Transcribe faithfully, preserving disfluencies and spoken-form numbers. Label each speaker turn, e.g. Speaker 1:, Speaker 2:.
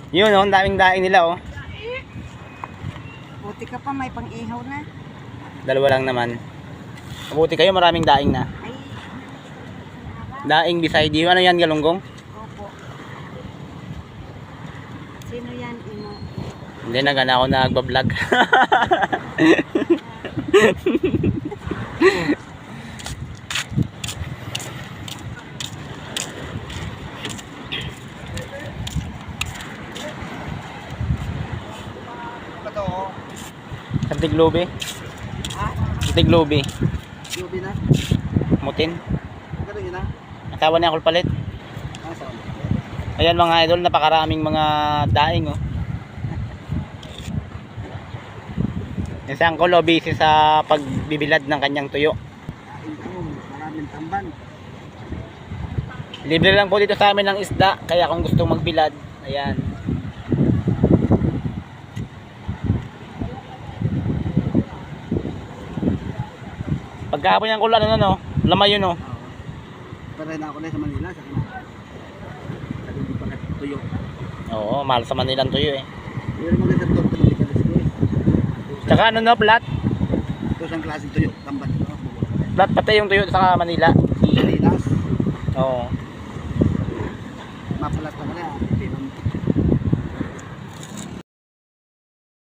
Speaker 1: Yun oh, ang daming daing nila oh.
Speaker 2: Buti ka pa, may pang-ihaw na.
Speaker 1: Dalawa lang naman. Mabuti kayo, maraming daing na.
Speaker 2: Ay,
Speaker 1: Daing beside you. Ano yan, galunggong?
Speaker 2: opo. Sino yan, Imo?
Speaker 1: Hindi na gana ako nagbablog.
Speaker 2: Ito, oh.
Speaker 1: Sa Tiglobe.
Speaker 2: Ha?
Speaker 1: Sa Tiglobe.
Speaker 2: Yubi na?
Speaker 1: Mutin.
Speaker 2: Ganun yun na?
Speaker 1: Asawa niya kulpalit.
Speaker 2: Ah, saan?
Speaker 1: Ayan mga idol, napakaraming mga daing oh. Yung si Uncle oh, busy sa pagbibilad ng kanyang tuyo.
Speaker 2: Kain ko, maraming tamban.
Speaker 1: Libre lang po dito sa amin ng isda, kaya kung gusto magbilad, ayan. Pagkahapon yung kulan, ano no? Lamay yun oh.
Speaker 2: Pero na ako na sa Manila, sa kanya. Sa hindi pa tuyo.
Speaker 1: Oo, mahal sa Manila ang tuyo eh.
Speaker 2: Pero maganda ito, ito hindi ka lisko eh.
Speaker 1: Tsaka ano no, plat?
Speaker 2: Ito isang klaseng tuyo, tamban. No?
Speaker 1: Plat pati yung tuyo sa Manila.
Speaker 2: Pilinas,
Speaker 1: Oo.
Speaker 2: mapalat na ka na.